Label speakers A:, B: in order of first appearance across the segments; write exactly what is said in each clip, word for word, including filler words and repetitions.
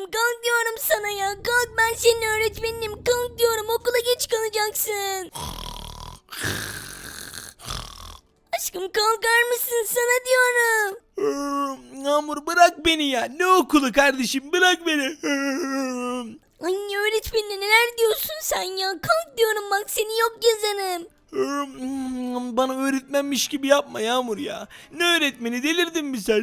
A: kalk diyorum sana ya. Kalk, ben senin öğretmeninim. Kalk diyorum, okula geç kalacaksın. Aşkım kalkar mısın, sana diyorum.
B: Yağmur bırak beni ya. Ne okulu kardeşim, bırak beni.
A: Ay öğretmenine neler diyorsun sen ya? Kalk diyorum, bak seni yok yazarım.
B: Bana öğretmenmiş gibi yapma Yağmur ya. Ne öğretmeni, delirdin mi sen?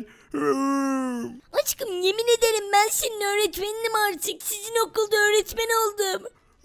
A: Aşkım yemin ederim ben senin öğretmeninim artık. Sizin okulda öğretmen oldum.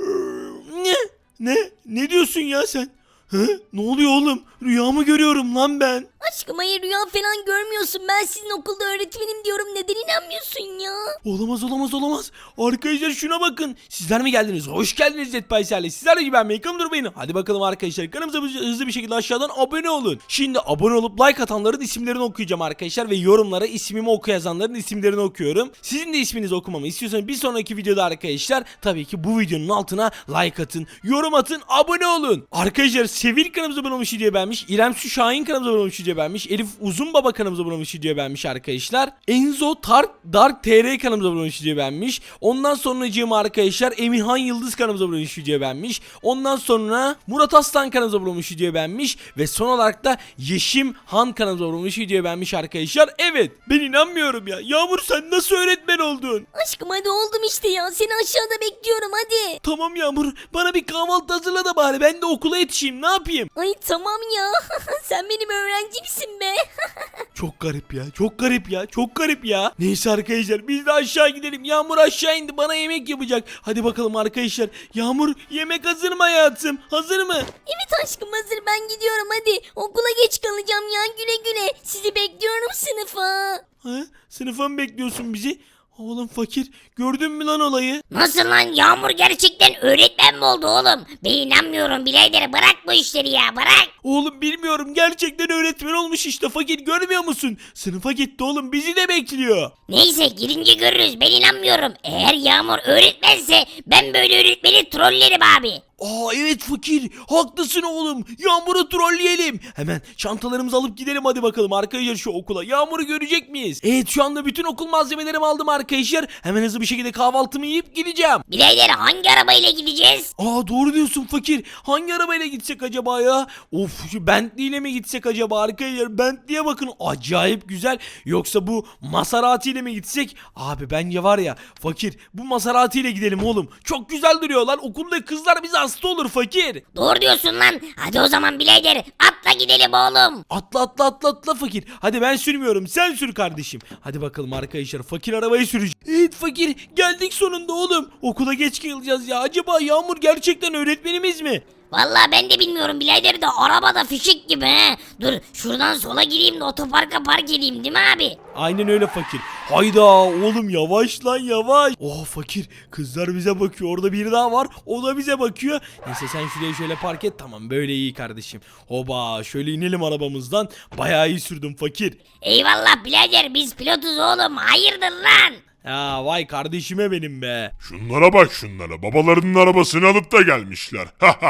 B: Ne? Ne? Ne diyorsun ya sen? Hı? Ne oluyor oğlum? Rüyamı görüyorum lan ben.
A: Aşkım hayır, rüya falan görmüyorsun. Ben sizin okulda öğretmenim diyorum. Neden inanmıyorsun ya?
B: Olamaz olamaz olamaz. Arkadaşlar şuna bakın. Sizler mi geldiniz? Hoş geldiniz Zetpayser'le. Sizler de ben Meykam durmayın. Hadi bakalım arkadaşlar. Kanalımıza hızlı bir şekilde aşağıdan abone olun. Şimdi abone olup like atanların isimlerini okuyacağım arkadaşlar. Ve yorumlara ismimi oku yazanların isimlerini okuyorum. Sizin de isminizi okumamı istiyorsanız bir sonraki videoda arkadaşlar tabii ki bu videonun altına like atın, yorum atın, abone olun. Arkadaşlar Sevil kanalımıza abone olmuş, diye beğenmiş. İrem Su Şahin kanalımıza abone olmuş, diye beğenmiş. Elif Uzun Baba kanalımıza abone olmuş, diye beğenmiş arkadaşlar. Enzo Tark Dark T R kanalımıza abone olmuş, diye beğenmiş. Ondan sonracığım arkadaşlar Emirhan Yıldız kanalımıza abone olmuş, diye beğenmiş. Ondan sonra Murat Aslan kanalımıza abone olmuş, diye beğenmiş. Ve son olarak da Yeşim Han kanalımıza abone olmuş, diye beğenmiş arkadaşlar. Evet, ben inanmıyorum ya. Yağmur sen nasıl öğretmen oldun?
A: Aşkım hadi oldum işte ya. Seni aşağıda bekliyorum hadi.
B: Tamam Yağmur, bana bir kahvaltı hazırla da bari ben de okula yetişeyim, ne yapayım?
A: Ay tamam ya. Sen benim öğrencimsin be.
B: Çok garip ya, çok garip ya, çok garip ya. Neyse arkadaşlar, biz de aşağı gidelim. Yağmur aşağı indi, bana yemek yapacak. Hadi bakalım arkadaşlar. Yağmur, yemek hazır mı hayatım? Hazır mı?
A: Evet aşkım hazır, ben gidiyorum hadi. Okula geç kalacağım ya, güle güle. Sizi bekliyorum sınıfa.
B: Ha? Sınıfa mı bekliyorsun bizi? Oğlum fakir, gördün mü lan olayı?
C: Nasıl lan, Yağmur gerçekten öğretmen mi oldu oğlum? Ben inanmıyorum birader, bırak bu işleri ya, bırak.
B: Oğlum bilmiyorum, gerçekten öğretmen olmuş işte fakir, görmüyor musun? Sınıfa gitti oğlum, bizi de bekliyor.
C: Neyse girince görürüz, ben inanmıyorum. Eğer Yağmur öğretmense ben böyle öğretmeni trollerim abi.
B: Aa evet fakir, haklısın oğlum. Yağmur'u trolleyelim. Hemen çantalarımızı alıp gidelim hadi bakalım arkadaşlar şu okula. Yağmur'u görecek miyiz? Evet, şu anda bütün okul malzemelerimi aldım arkadaşlar. Hemen hızlı bir şekilde kahvaltımı yiyip gideceğim.
C: Birader hangi arabayla gideceğiz?
B: Aa doğru diyorsun fakir. Hangi arabayla gitsek acaba ya? Of, şu Bentley ile mi gitsek acaba arkadaşlar? Bentley'e bakın, acayip güzel. Yoksa bu Maserati ile mi gitsek? Abi bence var ya fakir, bu Maserati ile gidelim oğlum. Çok güzel duruyor lan. Okulda kızlar bize hasta olur fakir.
C: Doğru diyorsun lan. Hadi o zaman birader atla gidelim oğlum.
B: Atla atla atla atla fakir. Hadi ben sürmüyorum, sen sür kardeşim. Hadi bakalım arkadaşlar, fakir arabayı sürecek. Evet fakir, geldik sonunda oğlum. Okula geç kalacağız ya. Acaba Yağmur gerçekten öğretmenimiz mi?
C: Vallahi ben de bilmiyorum birader de arabada fişek gibi he. Dur şuradan sola gireyim de otoparka park edeyim değil mi abi?
B: Aynen öyle fakir. Hayda oğlum, yavaş lan yavaş. Oh fakir, kızlar bize bakıyor. Orada biri daha var, o da bize bakıyor. Neyse sen şuraya şöyle park et, tamam böyle iyi kardeşim. Hoba, şöyle inelim arabamızdan. Bayağı iyi sürdüm fakir.
C: Eyvallah birader, biz pilotuz oğlum, hayırdır lan?
B: Ya vay kardeşime benim be.
D: Şunlara bak şunlara. Babalarının arabasını alıp da gelmişler.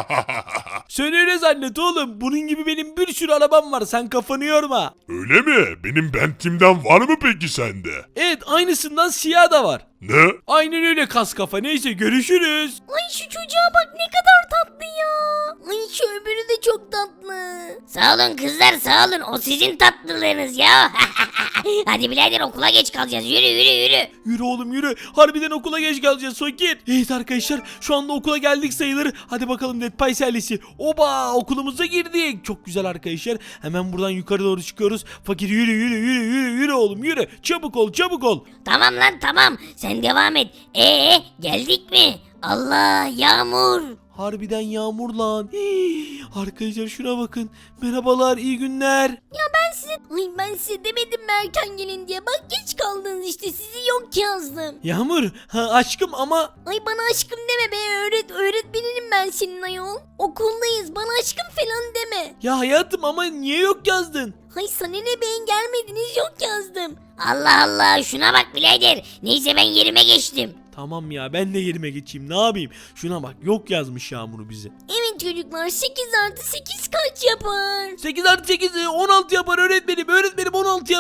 B: Sen öyle zannet oğlum. Bunun gibi benim bir sürü arabam var. Sen kafanı yorma.
D: Öyle mi? Benim Bentley'imden var mı peki sende?
B: Evet, aynısından siyah da var.
D: Ne?
B: Aynen öyle kas kafa. Neyse görüşürüz.
A: Ay şu çocuğa bak, ne kadar tatlı ya. Ay şu öbürü de çok tatlı.
C: Sağ olun kızlar, sağ olun, o sizin tatlılığınız ya. Hadi birader okula geç kalacağız, yürü yürü yürü.
B: Yürü oğlum yürü. Harbiden okula geç kalacağız fakir. Evet arkadaşlar, şu anda okula geldik sayılır. Hadi bakalım Netpay serlisi. Oba, okulumuza girdik. Çok güzel arkadaşlar. Hemen buradan yukarı doğru çıkıyoruz. Fakir yürü yürü yürü yürü yürü oğlum yürü. Çabuk ol çabuk ol.
C: Tamam lan tamam, sen devam et. Ee geldik mi? Allah, Yağmur.
B: Harbiden Yağmur lan. Hii, arkadaşlar şuna bakın. Merhabalar, iyi günler.
A: Ya ben size, ay ben size demedim mi erken gelin diye. Bak geç kaldınız işte, sizi yok yazdım.
B: Yağmur, ha, aşkım ama
A: Ay bana aşkım deme be, öğret öğretmeninim ben senin ayol. Okuldayız, bana aşkım falan deme.
B: ya hayatım, ama niye yok yazdın?
A: Hay sana ne beyin, gelmediniz yok yazdım.
C: Allah Allah, şuna bak birader. Neyse ben yerime geçtim.
B: Tamam ya, ben de yerime geçeyim, ne yapayım? Şuna bak, yok yazmış Yağmur'u bize.
A: Evet çocuklar, sekiz artı sekiz kaç yapar?
B: sekiz artı sekiz on altı yapar öğretmenim. Öğretmenim on altı yapar.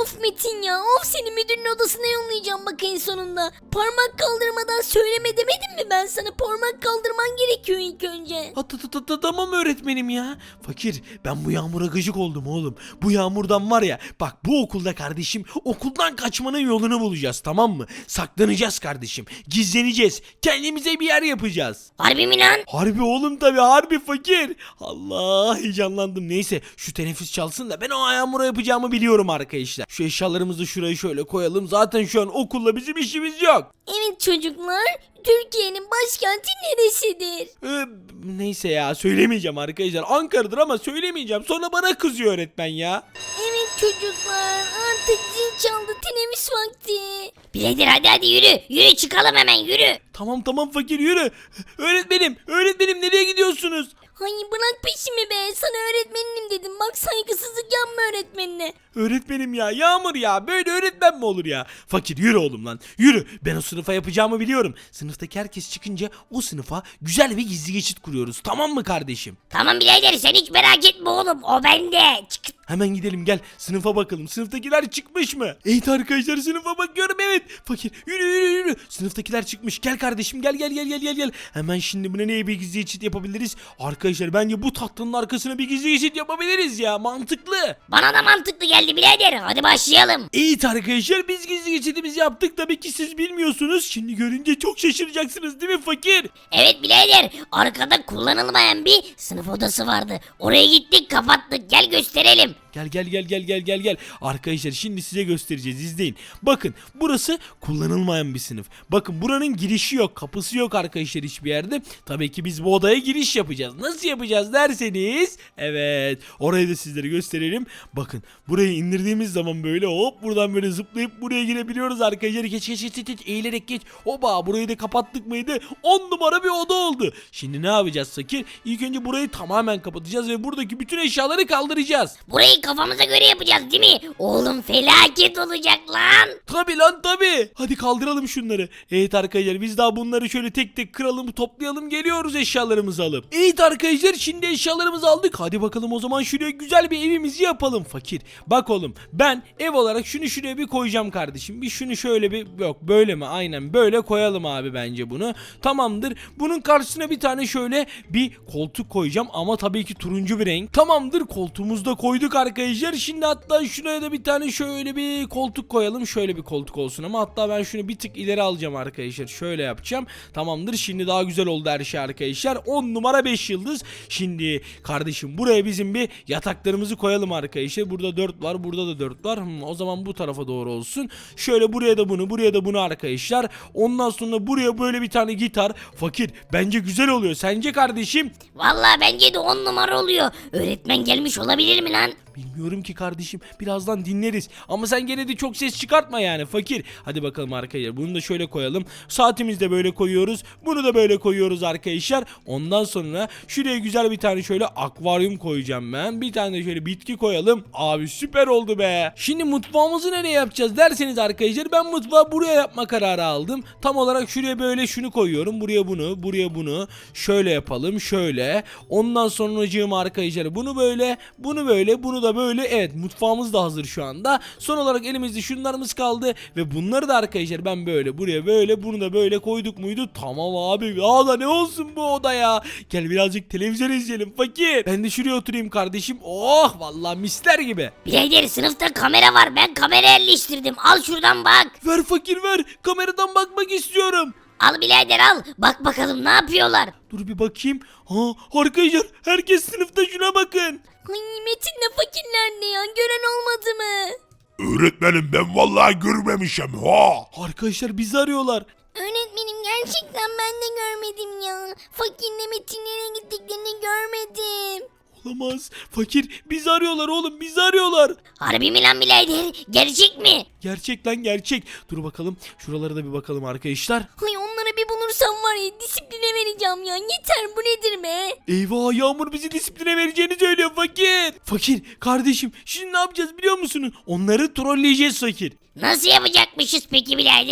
A: Of Metin ya, of seni müdürün odasına yollayacağım bak en sonunda. Parmak kaldırmadan söyleme demedim mi ben sana? Parmak kaldırman gerekiyor ilk önce.
B: Ha, ta- ta- ta- ta- Tamam öğretmenim ya. Fakir, ben bu yağmura gıcık oldum oğlum. Bu yağmurdan var ya, bak bu okulda kardeşim okuldan kaçmanın yolunu bulacağız, tamam mı? Saklanacağız kardeşim. Gizleneceğiz. Kendimize bir yer yapacağız.
C: Harbi mi lan?
B: Harbi oğlum, tabi harbi fakir. Allah, heyecanlandım. Neyse şu teneffüs çalsın da ben o yağmura yapacağımı biliyorum arkadaşlar. Şu eşyalarımızı şuraya şöyle koyalım. Zaten şu an okulla bizim işimiz yok.
A: Evet çocuklar, Türkiye'nin başkenti neresidir?
B: Ee, neyse ya, söylemeyeceğim arkadaşlar. Ankara'dır ama söylemeyeceğim. Sonra bana kızıyor öğretmen ya.
A: Evet çocuklar, artık zil çaldı, teneffüs vakti.
C: Birader hadi hadi yürü. Yürü çıkalım hemen yürü.
B: Tamam tamam fakir, yürü. Öğretmenim, öğretmenim nereye gidiyorsunuz?
A: Hayır bırak peşimi be, sana öğretmenim dedim, bak saygısızlık yapma öğretmenine.
B: Öğretmenim ya, Yağmur ya, böyle öğretmen mi olur ya? Fakir yürü oğlum lan, yürü. Ben o sınıfa yapacağımı biliyorum. Sınıftaki herkes çıkınca o sınıfa güzel bir gizli geçit kuruyoruz, tamam mı kardeşim?
C: Tamam birader sen hiç merak etme oğlum. O bende. Çık.
B: Hemen gidelim, gel sınıfa bakalım. Sınıftakiler çıkmış mı? Evet arkadaşlar, sınıfa bakıyorum, evet. Fakir yürü yürü yürü. Sınıftakiler çıkmış. Gel kardeşim, gel gel gel gel gel gel. Hemen şimdi buna neye bir gizli geçit yapabiliriz? Arkadaşlar bence bu tatlının arkasına bir gizli geçit yapabiliriz ya. Mantıklı.
C: Bana da mantıklı geldi birader. Hadi başlayalım.
B: Evet arkadaşlar, biz gizli geçitimizi yaptık. Tabii ki siz bilmiyorsunuz. Şimdi görünce çok şaşıracaksınız değil mi fakir?
C: Evet birader. Arkada kullanılmayan bir sınıf odası vardı. Oraya gittik kapattık. Gel gösterelim.
B: Gel gel gel gel gel gel gel. Arkadaşlar şimdi size göstereceğiz, izleyin. Bakın burası kullanılmayan bir sınıf. Bakın buranın girişi yok, kapısı yok arkadaşlar hiçbir yerde. Tabii ki biz bu odaya giriş yapacağız. Nasıl yapacağız derseniz. Evet, orayı da sizlere gösterelim. Bakın burayı indirdiğimiz zaman böyle hop buradan böyle zıplayıp buraya girebiliyoruz arkadaşlar. Geç geç geç geç, eğilerek geç. Oba, burayı da kapattık mıydı? on numara bir oda oldu. Şimdi ne yapacağız fakir? İlk önce burayı tamamen kapatacağız ve buradaki bütün eşyaları kaldıracağız.
C: Burayı kafamıza göre yapacağız değil mi? Oğlum felaket olacak lan.
B: Tabi lan tabi. Hadi kaldıralım şunları. Evet arkadaşlar, biz daha bunları şöyle tek tek kıralım, toplayalım, geliyoruz eşyalarımızı alıp. Evet arkadaşlar, şimdi eşyalarımızı aldık. Hadi bakalım o zaman şuraya güzel bir evimizi yapalım fakir. Bak oğlum, ben ev olarak şunu şuraya bir koyacağım kardeşim. Bir şunu şöyle bir, yok böyle mi? Aynen böyle koyalım abi bence bunu. Tamamdır. Bunun karşısına bir tane şöyle bir koltuk koyacağım ama tabii ki turuncu bir renk. Tamamdır, koltuğumuzu da koyduk arkadaşlar. Şimdi hatta şuraya da bir tane şöyle bir koltuk koyalım. Şöyle bir koltuk olsun ama hatta ben şunu bir tık ileri alacağım arkadaşlar. Şöyle yapacağım. Tamamdır, şimdi daha güzel oldu her şey arkadaşlar. on numara beş yıldız. Şimdi kardeşim buraya bizim bir yataklarımızı koyalım arkadaşlar. Burada dört var, burada da dört var. Hmm, o zaman bu tarafa doğru olsun. Şöyle buraya da bunu, buraya da bunu arkadaşlar. Ondan sonra buraya böyle bir tane gitar. Fakir, bence güzel oluyor. Sence kardeşim?
C: Vallahi bence de on numara oluyor. Öğretmen gelmiş olabilir mi lan?
B: Bilmiyorum ki kardeşim. Birazdan dinleriz. Ama sen gene de çok ses çıkartma yani fakir. Hadi bakalım arkadaşlar. Bunu da şöyle koyalım. Saatimizi de böyle koyuyoruz. Bunu da böyle koyuyoruz arkadaşlar. Ondan sonra şuraya güzel bir tane şöyle akvaryum koyacağım ben. Bir tane de şöyle bitki koyalım. Abi süper oldu be. Şimdi mutfağımızı nereye yapacağız derseniz arkadaşlar, ben mutfağı buraya yapma kararı aldım. Tam olarak şuraya böyle şunu koyuyorum. Buraya bunu, buraya bunu. Şöyle yapalım. Şöyle. Ondan sonracığım arkadaşlar bunu böyle, bunu böyle, bunu da böyle. Evet, mutfağımız da hazır şu anda. Son olarak elimizde şunlarımız kaldı ve bunları da arkadaşlar ben böyle buraya böyle, bunu da böyle koyduk muydu? Tamam abi. Aa da ne olsun bu oda ya. Gel birazcık televizyon izleyelim fakir. Ben de şuraya oturayım kardeşim. Oh vallahi misler gibi.
C: Birader sınıfta kamera var. Ben kamera yerleştirdim. Al şuradan bak.
B: Ver fakir ver. Kameradan bakmak istiyorum.
C: Al birader al. Bak bakalım ne yapıyorlar.
B: Dur bir bakayım. Ha arkadaşlar, herkes sınıfta, şuna bakın.
A: Ay Metin'le fakir nerede ya, gören olmadı mı?
D: Öğretmenim ben vallahi görmemişim ha.
B: Arkadaşlar bizi arıyorlar.
A: Öğretmenim gerçekten ben de görmedim ya. Fakirle Metin nereye gittiklerini görmedim.
B: Olamaz. Fakir bizi arıyorlar oğlum, bizi arıyorlar.
C: Harbi mi lan birader? Gerçek mi?
B: Gerçek lan gerçek. Dur bakalım. Şuralara da bir bakalım arkadaşlar.
A: Ay onlara bir bulursam var ya, disipline vereceğim ya. Yeter, bu nedir be?
B: Eyvah, Yağmur bizi disipline vereceğini söylüyor fakir. Fakir kardeşim, şimdi ne yapacağız biliyor musun? Onları trolleyeceğiz fakir.
C: Nasıl yapacakmışız peki birader?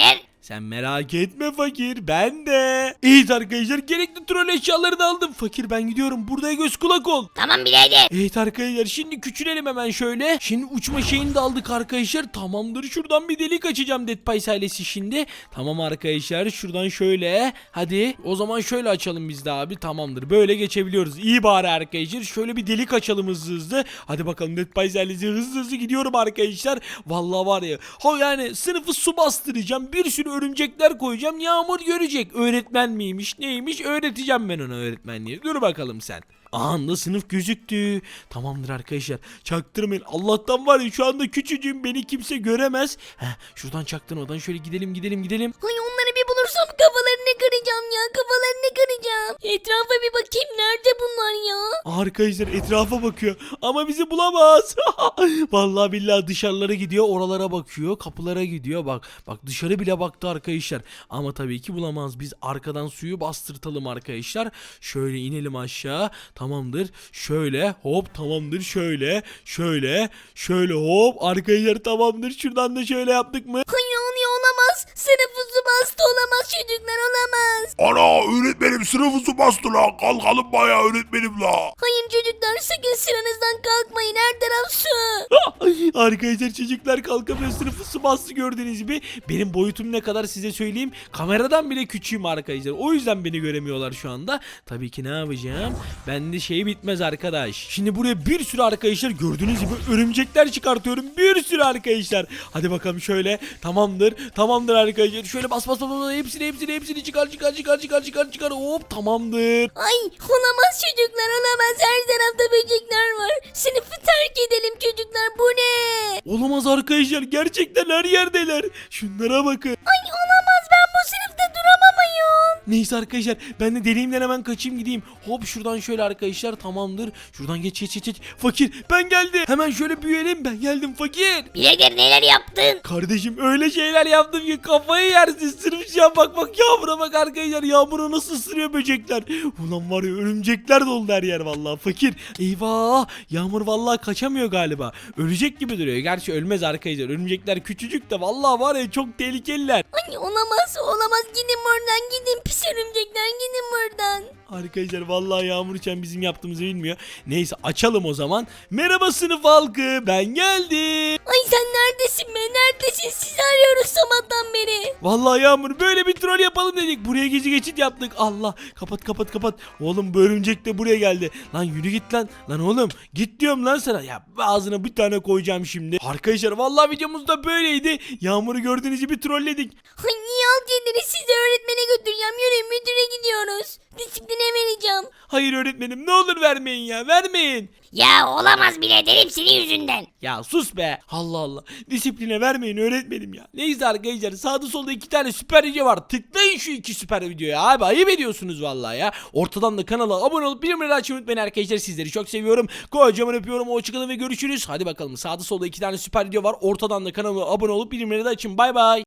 B: Sen merak etme fakir, ben de. Evet arkadaşlar, gerekli troll eşyalarını aldım. Fakir ben gidiyorum, burada göz kulak ol.
C: Tamam birader.
B: Evet arkadaşlar, şimdi küçülelim hemen şöyle. Şimdi uçma şeyini de aldık arkadaşlar. Tamamdır, şuradan bir delik açacağım Dead Pies ailesi şimdi. Tamam arkadaşlar, şuradan şöyle. Hadi o zaman şöyle açalım biz de abi. Tamamdır, böyle geçebiliyoruz. İyi bari arkadaşlar, şöyle bir delik açalım hızlı hızlı. Hadi bakalım Dead Pies ailesi, hızlı hızlı gidiyorum arkadaşlar. Vallahi var ya, ha yani sınıfı su bastıracağım. Bir sürü örümcekler koyacağım. Yağmur görecek. Öğretmen miymiş neymiş, öğreteceğim ben ona öğretmenliği. Dur bakalım sen. Anda sınıf gözüktü. Tamamdır arkadaşlar. Çaktırmayın. Allah'tan var ya, şu anda küçücüğüm, beni kimse göremez. Heh, şuradan çaktırmadan şöyle gidelim gidelim gidelim.
A: Ay onları bir bulursam kafalarını kıracağım ya. Kafalarını kıracağım. Etrafa bir bakayım. Nerede bunlar ya?
B: Arkadaşlar etrafa bakıyor ama bizi bulamaz. Vallahi billahi dışarılara gidiyor, oralara bakıyor, kapılara gidiyor. Bak bak, dışarı bile baktı arkadaşlar. Ama tabii ki bulamaz. Biz arkadan suyu bastırtalım arkadaşlar. Şöyle inelim aşağı. Tamamdır. Şöyle hop, tamamdır. Şöyle şöyle şöyle hop. Arkadaşlar tamamdır. Şuradan da şöyle yaptık mı?
A: Ay oluyor, olamaz. Sınıfı su bastı, olamaz çocuklar, olamaz.
D: Ana öğretmenim sınıfı su bastı la. Kalkalım bayağı öğretmenim la.
A: Hayır çocuklar, sakın sıranızdan kalkmayın. Her taraf su.
B: Arkadaşlar çocuklar kalkamıyor, sınıfı su bastı gördüğünüz gibi. Benim boyutum ne kadar size söyleyeyim. Kameradan bile küçüğüm arkadaşlar. O yüzden beni göremiyorlar şu anda. Tabii ki ne yapacağım? Bende şey bitmez arkadaş. Şimdi buraya bir sürü arkadaşlar gördüğünüz gibi örümcekler çıkartıyorum. Bir sürü arkadaşlar. Hadi bakalım şöyle. Tamamdır. Tamamdır arkadaşlar. Şöyle bas bas bas bas. Hepsini hepsini hepsini çıkar çıkar çıkar çıkar çıkar çıkar. Hop tamamdır.
A: Ay olamaz çocuklar, olamaz. Her tarafta böcekler var. Sınıfı terk edelim çocuklar, bu ne?
B: Olamaz arkadaşlar. Gerçekten her yerdeler. Şunlara bakın.
A: Ay olamaz, ben bu sınıfta duramam ayol.
B: Neyse arkadaşlar, ben de deliğimden hemen kaçayım gideyim. Hop şuradan şöyle arkadaşlar, tamamdır. Şuradan geç geç geç geç. Fakir ben geldim. Hemen şöyle büyüyelim, ben geldim fakir.
C: Birader neler yaptın?
B: Kardeşim öyle şeyler yaptım ki kafayı yersin. Sırf şu an bak bak, yağmura bak arkadaşlar. Yağmura nasıl ısırıyor böcekler. Ulan var ya, örümcekler dolu her yer vallahi fakir. Eyvah, Yağmur vallahi kaçamıyor galiba. Ölecek gibi duruyor. Gerçi ölmez arkadaşlar. Örümcekler küçücük de vallahi var ya, çok tehlikeliler.
A: Ay olamaz, olamaz. Gidin buradan, gidin pis örümcekler, gidin buradan.
B: Arkadaşlar vallahi Yağmur Çen bizim yaptığımızı bilmiyor. Neyse açalım o zaman. Merhaba sınıf halkı, ben geldim.
A: Ay sen neredesin be, neredesin? Sizi arıyoruz sabahtan beri.
B: Vallahi Yağmur, böyle bir troll yapalım dedik. Buraya gezi geçit yaptık. Allah, kapat kapat kapat. Oğlum bu örümcek de buraya geldi. Lan yürü git lan. Lan oğlum git diyorum lan sana. Ya ağzına bir tane koyacağım şimdi. Arkadaşlar vallahi videomuz da böyleydi. Yağmur'u gördüğünüz gibi trolledik.
A: Ay niye alt yediniz? Sizi öğretmene götüreceğim. Yürüyün, müdüre gidiyoruz. Disipline vereceğim.
B: Hayır öğretmenim, ne olur vermeyin ya, vermeyin.
C: Ya olamaz birader, hepsinin yüzünden.
B: Ya sus be. Allah Allah. Disipline vermeyin öğretmenim ya. Neyse arkadaşlar, sağda solda iki tane süper video var. Tıklayın şu iki süper videoya abi. Ayıp ediyorsunuz vallahi ya. Ortadan da kanala abone olup bildirimleri açmayı unutmayın arkadaşlar. Sizleri çok seviyorum. Kocaman öpüyorum. Hoşçakalın ve görüşürüz. Hadi bakalım, sağda solda iki tane süper video var. Ortadan da kanala abone olup bildirimleri de açın. Bay bay.